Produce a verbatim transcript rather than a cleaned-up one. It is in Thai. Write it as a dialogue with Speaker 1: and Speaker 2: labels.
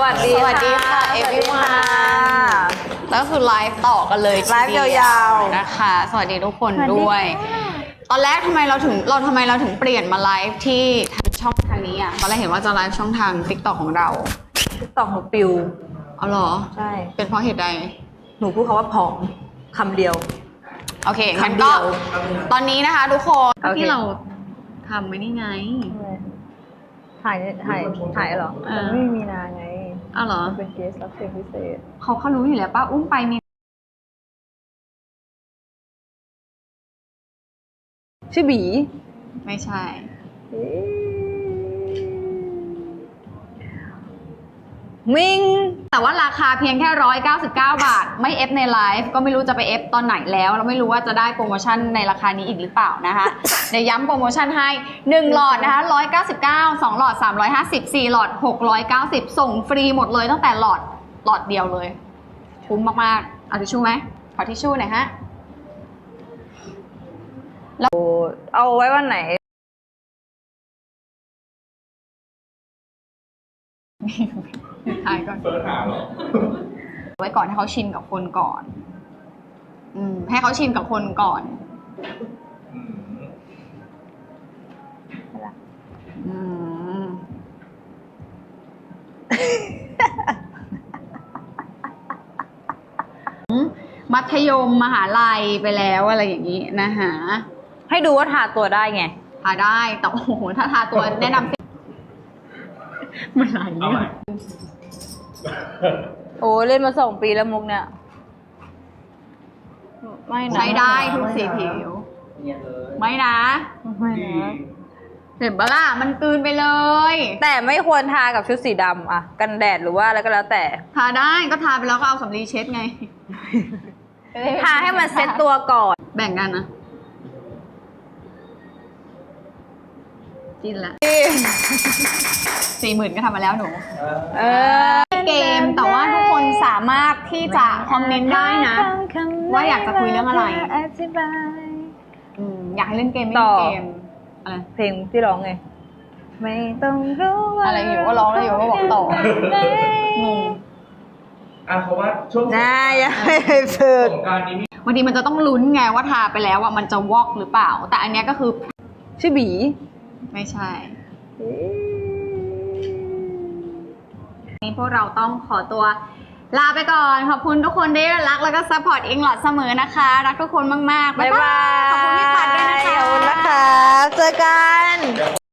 Speaker 1: วัสดี
Speaker 2: สวัสดีค่ะเอฟวีวันแล้วคือไลฟ์ต่อกันเลยไลฟ์ยาวๆนะคะสวัสดีทุกคนด้วยตอนแรกทำไมเราถึงเราทำไมเราถึงเปลี่ยนมาไลฟ์ที่ช่องทางนี้อ่ะตอนแรกเห็นว่าจะไลฟ์ช่องทาง ติ๊กต็อก ของเรา
Speaker 1: ติ๊กต็อกหนูปิว
Speaker 2: เอาเหรอ
Speaker 1: ใช่
Speaker 2: เป็นเพราะเหตุใด
Speaker 1: หนูพูดคำว่าผอมคำเดียว
Speaker 2: โอเคงั้นก็ตอนนี้นะคะทุกคนที่เราทำไม่นี่ไง
Speaker 1: ถ่ายถ่ายถ่ายเหรอมันไม่มีนาไง
Speaker 2: อ้าวเหรอ
Speaker 1: เป็นเกสรับเชิญพิเศษ
Speaker 2: เขาเขารู้อยู่แล้วป้าอุ้มไปมี
Speaker 1: ชื่อบี
Speaker 2: ไม่ใช่
Speaker 1: มิง
Speaker 2: แต่ว่าราคาเพียงแค่หนึ่งร้อยเก้าสิบเก้าบาทไม่เอฟในไลฟ์ก็ไม่รู้จะไปเอฟตอนไหนแล้วเราไม่รู้ว่าจะได้โปรโมชั่นในราคานี้อีกหรือเปล่านะคะเดี๋ยวย้ำโปรโมชั่นให้หนึ่งหลอดนะคะหนึ่งร้อยเก้าสิบเก้า สองหลอดสามร้อยห้าสิบ สี่หลอดหกร้อยเก้าสิบส่งฟรีหมดเลยตั้งแต่หลอดหลอดเดียวเลยคุ้มมากๆเอาทิชชู่ไหมขอทิชชู่หน่อยฮะ
Speaker 1: แล้วเอาไว้วันไหน
Speaker 2: ถ่ายก่อนไว้ก่อนให้เขาชินกับคนก่อนอืมให้เขาชินกับคนก่อนอืมมัธยมมหาลัยไปแล้วอะไรอย่างนี้นะคะ
Speaker 1: ให้ดูว่าทาตัวได้ไง
Speaker 2: ทาได้แต่โอ้โหถ้าทาตัวแนะนำมันไหลเนี่ย
Speaker 1: โอ้เล่นมาสองปีแล้วมุกเนี่ยไม่นะ
Speaker 2: ใช้ได้ทุกสีผิวไม่นะ
Speaker 1: ไม่นะ
Speaker 2: เห็นปะล่ะมันกลืนไปเลย
Speaker 1: แต่ไม่ควรทากับชุดสีดำอะกันแดดหรือว่าอะไรก็แล้วแต่
Speaker 2: ทาได้ก็ทาไปแล้วก็เอาสำลีเช็ดไง
Speaker 1: ทาให้มันเซ็ตตัวก่อน
Speaker 2: แบ่งกันนะกินละสี่หมื่นก็ทำมาแล้วหนูเออเกมแต่ว่าทุกคนสามารถที่จะคอมเมนต์ได้นะว่าอยากจะคุยเรื่องอะไรอืมอยากให้เล่นเกมไม่เล่นเกมอะไร
Speaker 1: เพลงที่ร้องไงไม่ต้องรู้ว่า
Speaker 2: อะไรอยู่ก็ร้องแล้วอยู่ก็บอกต่องง
Speaker 3: อ่ะเพราะว่าช่วง
Speaker 1: น่าอยากให้ฝึก
Speaker 2: บางทีมันจะต้องลุ้นไงว่าทาไปแล้วว่ามันจะวอกหรือเปล่าแต่อันนี้ก็คือ
Speaker 1: ชื่อบี
Speaker 2: ไม่ใช่นี่พวกเราต้องขอตัวลาไปก่อนขอบคุณทุกคนที่รักแล้วก็ซัพพอร์ตอิงหลอดเสมอนะคะรักทุกคนมากๆบ๊ายบายขอบคุณพี่ปัดด้วยนะคะ
Speaker 1: ขอบคุณนะคะเจอกัน